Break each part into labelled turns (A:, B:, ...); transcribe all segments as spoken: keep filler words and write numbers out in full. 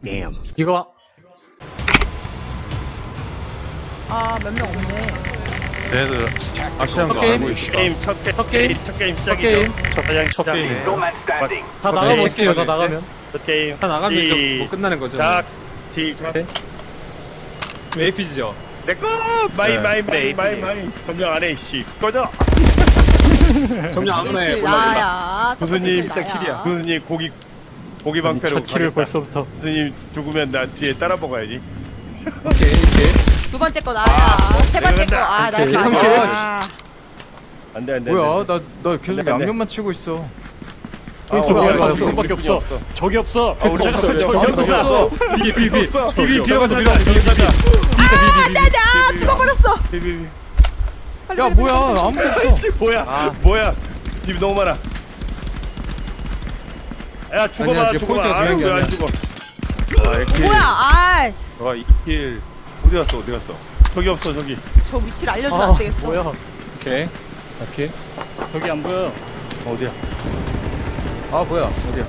A: Damn.
B: 이거
C: 아, 몇 명 없네.
D: 쟤네들 아시안 거
B: 게임?
D: 알고 있어.
E: 게임 첫 게,
B: 첫 게임?
E: 첫 게임
B: 첫
E: 시작이죠.
B: 게임?
D: 첫
E: 가장
D: 첫
E: 시작.
D: 게임.
B: 다 나가면
D: 게임
B: 어떻게 해요? 다
D: 시작이지?
B: 나가면
E: 첫 게임.
F: 다 나가면 이제
E: 시-
F: 뭐 끝나는 거죠.
E: 작. 시작.
B: 네.
F: 에이피지죠.
E: 내꺼 마이
D: 네.
E: 마이 마이
F: 네,
E: 마이
F: 네.
E: 마이 점령 안해 씨 꺼져.
F: 점령 안 해.
C: 일킬
F: 올라 올라.
C: 나야.
E: 교수님,
C: 일단
E: 일단 교수님 고기 고기 방패로
B: 첫 키를
E: 가겠다.
B: 벌써부터
E: 교수님 죽으면 나 뒤에 따라 먹어야지.
F: 오케이 오케이.
C: 두 번째 거 나야.
E: 아,
C: 세 번째 거.
E: 내가
C: 아, 나
B: 오케이,
C: 다
F: 삼킬.
C: 아,
E: 안돼 안돼.
G: 뭐야 나 나 계속
E: 안 돼, 안 돼.
G: 양념만 치고 있어.
E: 아,
B: 저기
E: 우리
B: 없어,
E: 없어.
B: 저거밖에
E: 우리
B: 없어.
E: 없어.
B: 적이 없어
E: 아, 우리 없어.
B: 적이
E: 저기
B: 없어
E: 없어.
F: 비비 비비
E: 없어.
F: 비비 빌어가자
E: 없어.
F: 빌어가자 비비 비비.
C: 아, 나, 나 죽어버렸어.
E: 비비비.
C: 빨리,
G: 야
C: 빨리,
G: 뭐야
C: 빨리, 빨리.
G: 아무도 없어.
E: 아이씨 뭐야 뭐야 비비 너무 많아. 야 죽어봐
F: 아니야, 지금
E: 죽어봐.
F: 포인트가 중요한
E: 아유
F: 게
E: 왜안
F: 아니야.
E: 죽어. 아
C: 어,
E: 이렇게.
C: 뭐야? 아,
D: 너가 이 킬.
E: 어디 갔어 어디 갔어. 저기 없어 저기.
C: 저 위치를 알려주면
B: 아
C: 안 되겠어.
B: 뭐야
F: 오케이. 오케이.
B: 저기 안 보여
E: 어디야?
G: 아 뭐야 어디야?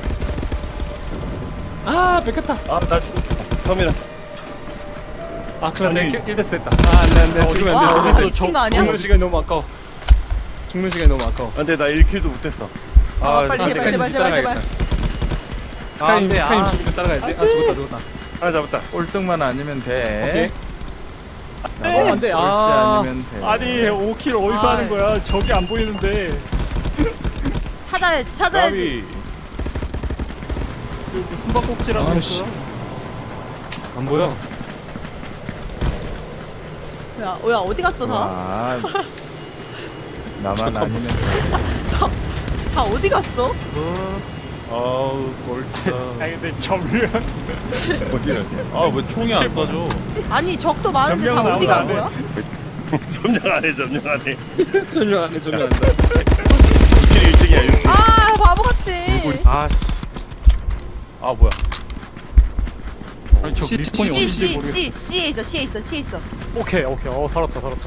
F: 아 뺏겼다.
E: 아나 죽어. 터미널.
F: 아 큰일
B: 아니.
F: 났네. 일 데스 했다. 아 안돼 안돼. 죽으면
C: 와,
F: 안돼. 죽으면
C: 미친 거 아니야?
F: 죽는 시간이 너무 아까워. 죽는 시간이 너무 아까워.
E: 안돼 나 일 킬도 못했어.
C: 아, 빨리
F: 아,
C: 제발 제발
F: 스카이님
C: 제발 제발.
F: 스카이님
G: 안 돼,
F: 스카이님
G: 아.
F: 죽으면 따라가야지. 아 죽었다 죽었다.
E: 하나 잡았다.
G: 꼴등만 아니면
F: 오케이.
G: 돼.
B: 어, 안 돼.
G: 꼴찌
B: 아.
G: 아니면 돼.
B: 아니 오 킬 어디서
C: 아.
B: 하는 거야 적이 안 보이는데
C: 찾아야지 찾아야지.
B: 그 무슨 밥꼭지라고
F: 아이씨.
B: 했어
F: 안 보여.
C: 야, 어, 야 어디 갔어 다?
G: 아, 나만 아니면 돼.
C: 다 어디 갔어?
D: 아우 꼴찌다.
B: 아니 근데 점령
E: 어디야?
D: 아왜 총이 안 쏴져?
C: 아니 적도 많은데 다
B: 점령은
C: 어디 간
B: 아무도
C: 거야?
E: 점령 안해 점령 안해.
F: 전혀 안해 전혀 안돼.
E: 일 킬 일 등이야 일 킬.
C: 아 바보같이.
D: 아. 아 뭐야?
B: 아니 저
F: 시-
B: 리스폰이
C: C
B: 어딘지
C: C
B: 모르겠어
C: C C에 있어 C에 있어 C에 있어.
B: 오케이 오케이 어 살았다 살았다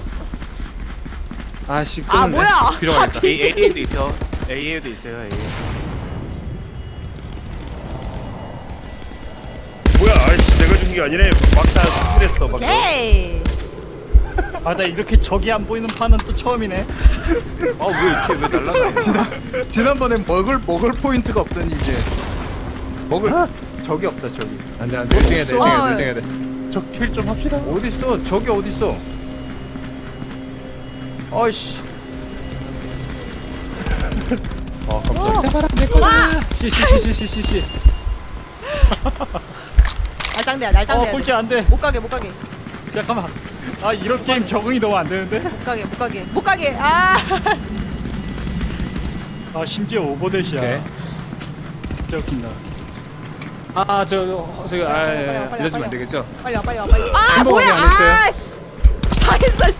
F: 아씨
C: 아
F: 끊었네.
C: 뭐야?
F: 빌어가겠다.
C: 아, 그치?
D: A에도 있어. A에도 있어요. A.
E: 뭐야? 아이씨 내가 준 게 아니네. 막다 스킬했어 막.
C: 에이.
B: 아나 이렇게 적이 안 보이는 판은 또 처음이네
D: 아왜 이렇게 왜 날라가?
G: 지난 지난번에 먹을 먹을 포인트가 없더니 이제 먹을 적이 없다 저기.
F: 안돼 안돼. 일 등 해야 돼. 일 등 해야 돼. 일 등 해야 돼.
D: 저킬 좀 합시다.
G: 어디 있어? 저기 어디 있어? 아이씨.
D: 아 깜짝이야.
F: 잡아라 내 거다. 씨씨씨씨씨씨.
C: 날짱대야
B: 어
C: 날짱대야.
B: 꼴찌 안돼
C: 못 가게 못 가게
B: 잠깐만 아 이런 게임 적응이 너무 안 되는데
C: 못 가게 못 가게 못 가게. 아.
B: 아 심지어 오버댓이야
F: 오케이.
B: 진짜 웃긴다
F: 아저 저기 아
C: 빨리 와,
F: 예,
C: 빨리 와,
F: 알려주면
C: 빨리
F: 안 되겠죠?
C: 빨리 와 빨리 와 빨리. 와. 아
F: 햄버거는
C: 뭐야?
F: 안 했어요?
C: 아씨. 다 했어.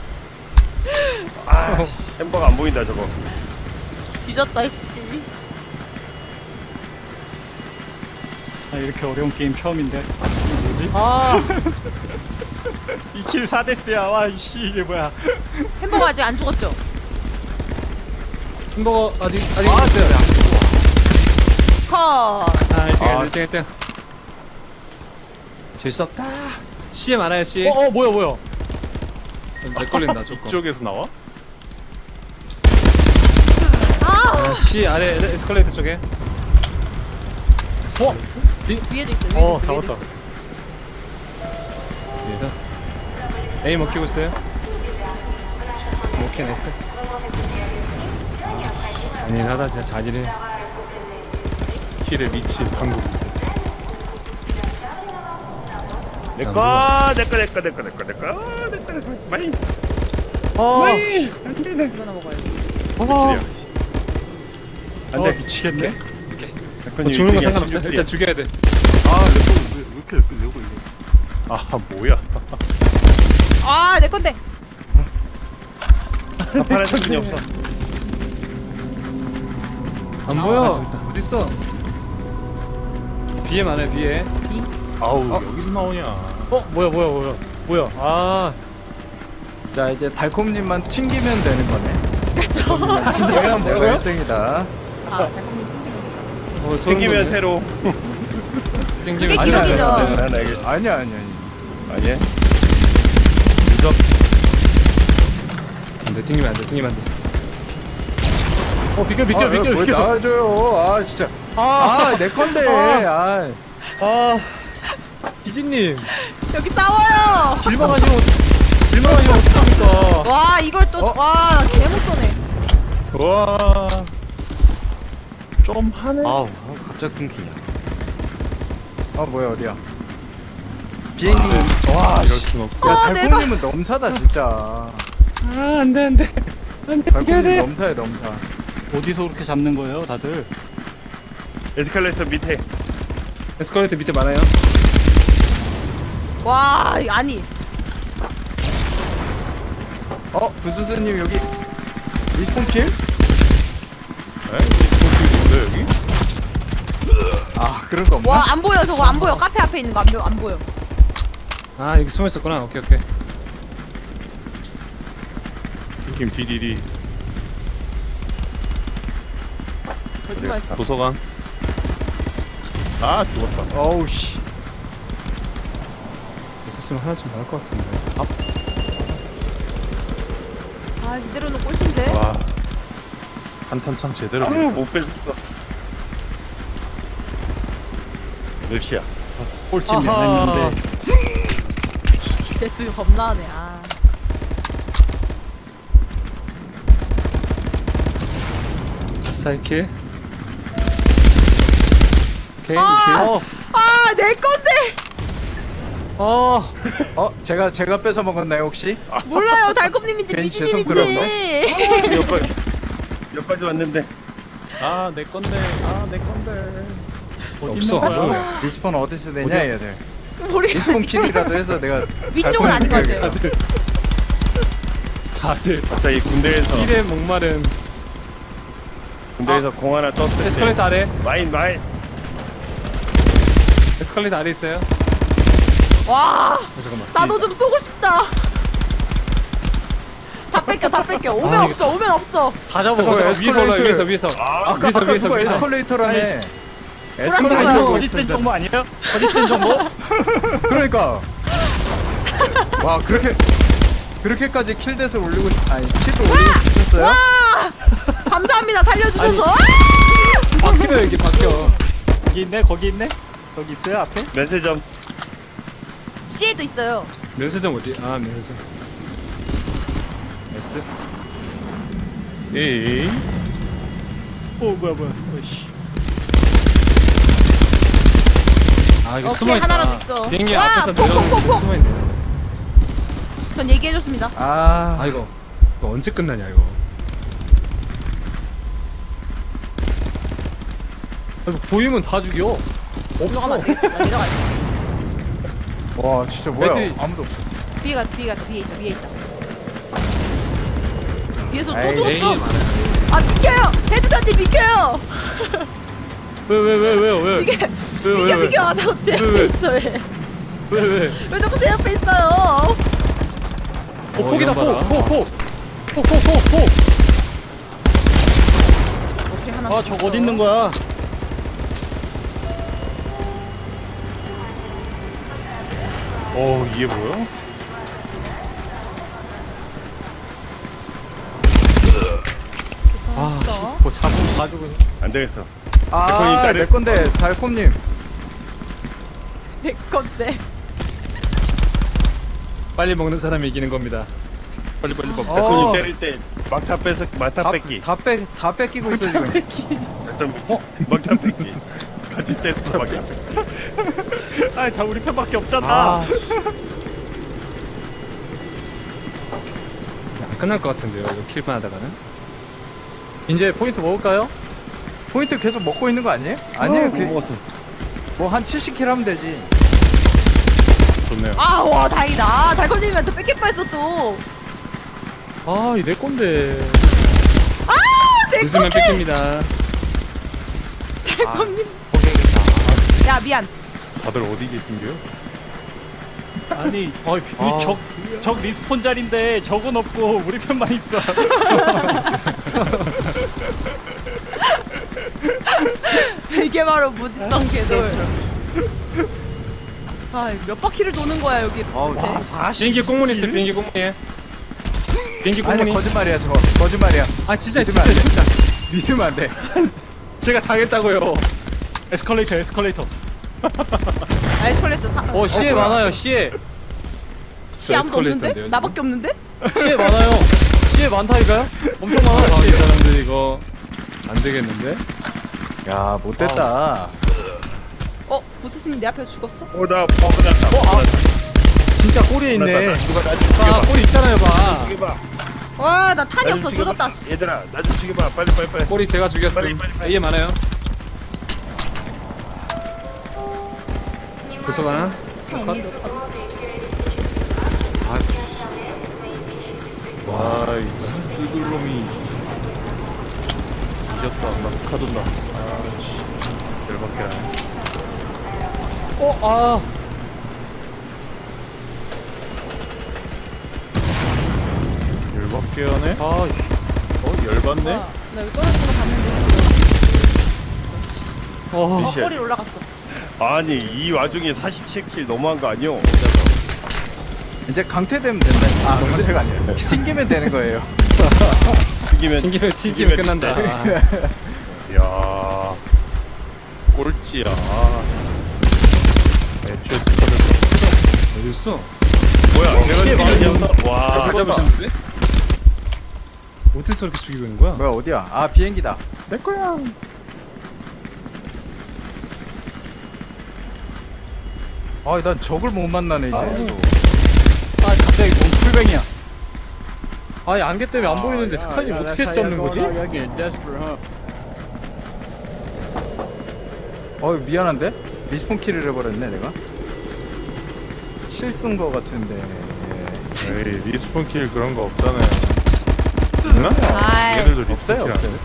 E: 아 씨, 햄버거 안 보인다 저거.
C: 뒤졌다 씨.
B: 아 이렇게 어려운 게임 처음인데 이게 뭐지?
C: 아
B: 이 킬 사 데스야 와 이씨 이게 뭐야
C: 햄버거 아직 안 죽었죠?
F: 햄버거 아직 아직 있어요.
C: 컷.
F: 아 일 등 해야 돼. 일 등 일 등. 질 수 없다. 씨에 많아요 씨.
B: 어어 뭐야 뭐야
F: 내 걸린다 조금.
D: 이쪽에서 나와?
C: 아
F: 아, C 아래 에스컬레이터 쪽에.
B: 어?
C: 위에도 있어 위에도
B: 어,
C: 있어 위에도
B: 잡았다.
C: 있어.
F: 얘다. A 먹히고 있어요. 오케이 나이스. 아, 잔인하다 진짜 잔인해.
D: 킬에 미친 한국.
E: 내꺼 내꺼 내꺼 내꺼 내꺼 내꺼 내꺼 내꺼 많이
B: 어,
E: 많이.
C: 이거나 먹어야지.
B: 어,
E: 안돼.
B: 어 미치겠네
F: 뭐 죽는 거 상관없어. 일단 죽여야 돼.
D: 아왜 이렇게 이렇게 내고 이거? 아 뭐야?
C: 아 내 건데.
E: 파란 정신이 없어.
F: 안 보여. 어디 있어? B에 많아요 B에.
D: 아우
F: 어?
D: 여기서 나오냐?
B: 어 뭐야 뭐야 뭐야 뭐야 아
G: 자 이제 달콤님만 튕기면 되는 거네.
C: 그렇죠.
F: 내가
G: 내가 일 등이다.
C: 아 달콤님 튕기면
F: 어, 소름
E: 생기면
F: 돋네.
E: 새로.
F: 땡기면
C: 그게 기록이죠.
E: 하나 알겠
G: 아니야 아니야 아니야.
E: 아니야? 유적
F: 안돼 튕기면 안돼 튕기면 안돼.
B: 어 비켜 비켜
G: 아,
B: 비켜
G: 뭘
B: 비켜.
G: 나와줘요. 아 진짜. 아내 건데. 아.
B: 아 비지님
C: 여기 싸워요.
B: 질망하시면 질망하시면 어떡합니까?
C: 와 이걸 또
G: 어?
C: 와 개못 쏘네.
E: 와. 좀 하네.
D: 아우 갑자기 끊기냐.
G: 아 뭐야 어디야? 비행기. 와
F: 이럴
G: 씨.
F: 순 없어.
G: 야
C: 아, 내가-
G: 달콤님은 넘사다 진짜.
F: 아 안돼 안돼 안돼
G: 달콤님 넘사야 넘사.
B: 어디서 그렇게 잡는 거예요 다들?
E: 에스컬레이터 밑에.
F: 에스컬레이터 밑에 많아요.
C: 와 아니
G: 어 부수스님 여기 리스폰 킬?
E: 에? 스포츠도 있어 여기?
G: 아 그런 거 없나?
C: 와 안 보여 저거 안 보여 카페 앞에 있는 거 안 보여 안 보여.
F: 아 여기 숨어 있었구나. 오케이 오케이.
E: 느낌 디디디.
C: 거짓말 했어.
E: 도서관. 아 죽었다.
G: 어우 씨.
F: 이렇게 쓰면 하나 좀 나을 것 같은데.
C: 아 제대로는 꼴찌인데.
E: 와.
D: 한탄창 제대로.
E: 아, 못 뺐었어. 맵시야.
B: 꼴찌는
F: 아하.
B: 했는데
C: 데스 겁나네. 아.
F: 사이킬. 오케이
C: 아!
F: 킬.
C: 아 내 건데.
B: 어
G: 어 제가 제가 뺏어 먹었나요 혹시?
C: 몰라요 달콤님인지
G: 괜히
C: 미지님인지.
E: 여기까지 여기까지 왔는데.
B: 아 내 건데 아 내 건데 어디
F: 없어.
B: 있는 거야?
F: 없어.
G: 리스폰 어디서 내냐
B: 어디야?
G: 얘들.
C: 모르겠어.
G: 리스폰 킬이라도 해서 내가.
C: 위쪽은 아닌 것 같아요.
F: 다들
E: 갑자기 군대에서
F: 힐에 목마른.
E: 군대에서 공 하나 떴을 때.
F: 에스컬레이터 아래.
E: 마인 마인.
F: 에스컬레이터 아래 있어요.
C: 와
F: 잠깐만.
C: 나도 좀 쏘고 싶다. 다 뺏겨 다 뺏겨. 오면
F: 아,
C: 없어 오면 없어.
B: 다 잡아.
F: 잠깐만 잠깐만. 위에서 올라
G: 에스컬레이터.
F: 위에서 위에서.
E: 아,
G: 아까
F: 위에서
G: 아까
F: 위에서
G: 그거
F: 위에서.
G: 에스컬레이터라네.
C: 불안치고요.
G: 에스컬레이터
B: 거짓된 정보 아니에요? 거짓된 정보?
G: 그러니까. 와 그렇게 그렇게까지 킬댓을 올리고 싶- 아니 킬을 올리고 싶었어요?
C: 와 감사합니다 살려주셔서. 아!
F: 바뀌면 이게 바뀌어.
B: 거기 있네 거기 있네 거기 있어요 앞에?
E: 면세점.
C: C에도 있어요.
F: 면세점 어디? 아 면세점. S.
E: 에이.
B: 오 뭐야 뭐야 어이씨
F: 아 여기
C: 오케이,
F: 숨어 있다.
C: 하나라도 있어.
F: 비행기
C: 와,
F: 앞에서
C: 폭,
F: 내려오는
C: 폭,
F: 게
C: 폭,
F: 숨어 있네.
C: 전 얘기해줬습니다.
G: 아,
F: 아 이거 이거 언제 끝나냐 이거.
B: 보이면 다 죽여
C: 올라가면 안 되겠다. 나 내려갈게.
G: 와 진짜 뭐야?
B: 애들이-
G: 아무도 없어.
C: 위에 가 위에 가 위에 있다 위에 있다. 위에서 또
G: 에이,
C: 죽었어.
F: 에이, 많아요.
C: 아 비켜요. 헤드샷님 비켜요.
B: 왜 왜 왜 왜요 왜?
C: 이게
B: 왜, 왜,
C: 비켜
B: 왜?
C: 비켜. 아, 자꾸 제
B: 왜,
C: 옆에
B: 왜?
C: 있어 왜?
B: 왜 왜?
C: 왜 자꾸 제 옆에 있어요?
B: 어 폭이다
F: 이런 봐라.
B: 폭폭폭폭폭폭폭
C: 오케이 하나.
B: 아 저거 어디 있는 거야?
E: 어 이게 뭐야?
C: 아,
B: 뭐 잡으면 다 죽으니
E: 안 되겠어.
G: 아,
E: 달콤님,
G: 내 건데 달콤님.
C: 내 건데.
F: 빨리 먹는 사람이 이기는 겁니다. 빨리 빨리 먹자.
G: 어.
E: 자꾸님 때릴 때 막타 뺏어 막타 뺏기.
G: 다빼다 뺏기고 있어 지금.
E: 작전 어? 막타 뺏기. 같이 때려서 막타 뺏기.
B: 아니 다 우리 편밖에 없잖아
G: 아,
F: 안 끝날 것 같은데요. 이거 킬만 하다가는.
B: 이제 포인트 먹을까요?
G: 포인트 계속 먹고 있는 거 아니에요? 아니에요.
E: 못
G: 그,
E: 먹었어.
G: 뭐한 칠십 킬 하면 되지.
E: 좋네요.
C: 아 와 다행이다. 아, 달콤님한테 뺏길 뻔했어 또.
B: 아 이 내 건데
C: 아내
F: 늦으면
C: 건데.
F: 뺏깁니다.
C: 달콤님.
G: 포기해야겠다.
C: 야 미안.
E: 다들 어디 계신겨?
B: 아니
F: 아.
B: 어적적 리스폰 자리인데 적은 없고 우리 편만 있어
C: 이게 바로 무지성 궤돌. 아몇 바퀴를 도는 거야 여기
D: 아우,
C: 도대체.
D: 아,
F: 비행기 꽁무니 있어 비행기 꽁무니. 비행기
G: 아니
F: 꽁무니.
G: 거짓말이야 저거 거짓말이야.
F: 아 진짜
G: 믿으면
F: 진짜
G: 안 돼.
F: 진짜.
G: 믿으면 안 돼.
F: 제가 당했다고요.
B: 에스컬레이터 에스컬레이터.
C: 아 에스컬레이터 사.
A: 어 시에 많아요 시에
C: 씨 아무도
F: 에스컬레이터인데요,
C: 없는데?
F: 지금?
C: 나밖에 없는데?
A: 시에 많아요 시에 많다니까요? 엄청 많아요
F: 아, 이
A: 시에.
F: 사람들 이거 안 되겠는데?
G: 야 못됐다.
C: 어 부스스님 내 앞에서 죽었어?
E: 어나 버그났다.
A: 진짜 꼬리에 있네
E: 누가 나좀
A: 아
E: 죽여봐.
A: 꼬리 있잖아요 봐
E: 죽여봐.
C: 와 나 탄이
E: 나 좀
C: 없어
E: 죽여봐.
C: 조졌다 씨.
E: 얘들아 나 좀 죽여봐. 빨리 빨리 빨리.
F: 꼬리 제가 죽였음.
E: 빨리, 빨리, 빨리.
F: A에 많아요. 도서관.
E: 와이 스글놈이 이겼다. 나 스카돈다. 아씨 열받게 하네.
A: 어? 아
E: 열받게 하네.
A: 아이씨
E: 어 열받네.
C: 와, 나 여기 떨어진 거 봤는데. 그렇지.
A: 어
C: 어
E: 미셸.
C: 꼬리 올라갔어.
E: 아니 이 와중에 사십칠 킬 너무한 거 아니오?
G: 이제 강퇴되면 된다. 아 강퇴가 아니라 튕기면 되는 거예요.
E: 튀기면
F: 튕기면 튕기면 끝난다.
E: 야 꼴찌야. 애초에 스카를
F: 어디 있어?
E: 뭐야? 내가
A: 시에
E: 죽이려나? 와.
F: 다 잡으셨는데? 어디서 이렇게 죽이고 있는 거야?
G: 뭐야 어디야? 아 비행기다.
F: 내 거야.
G: 아난 적을 못 만나네 이제.
B: 아 갑자기 몸 풀뱅이야.
A: 아니 안개 때문에 안 보이는데 스카이님 어떻게 잡는 거지?
G: 어 미안한데 리스폰 킬을 해버렸네 내가. 실수인 거 같은데.
E: 에이 리스폰 킬 그런 거 없잖아요. 있나?
C: 아이.
E: 얘들도 리스폰
G: 없어요
E: 킬
G: 없어요.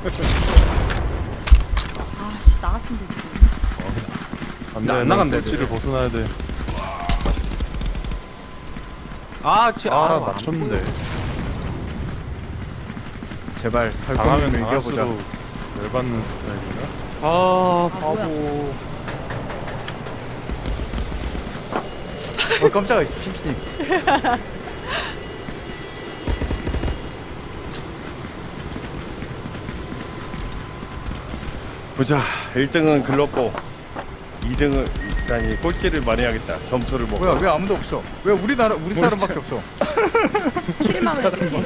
C: 아씨 나 같은데 지금.
E: 안
F: 나
E: 돼.
F: 안 나간대,
E: 꼴찌를
F: 애들.
E: 벗어나야 돼.
G: 아, 쟤,
E: 아,
G: 아,
E: 맞췄는데.
G: 제발
E: 당하면
G: 달콤이면 이겨보자.
E: 당할수록 열받는 스타일이라.
A: 아
C: 아,
A: 바보
G: 어 깜짝이야 킹킹.
E: 보자. 일 등은 글렀고 이 등은 아니 꼴찌를 많이 하겠다. 점수를 먹고.
G: 뭐야 왜 아무도 없어? 왜 우리나라 우리 사람밖에 없어?
C: 킬만 했겠지.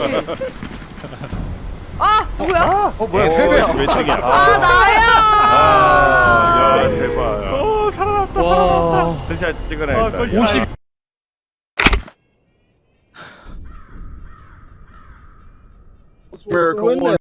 C: 아 누구야?
G: 어 뭐야
E: 어,
G: 패배야.
E: 몇 등이야?
C: 아 나야.
E: 아, 야 대박.
G: 어 살아났다.
A: 와
E: 다시 찍어놔야겠다.
A: 오십
H: Miracle one.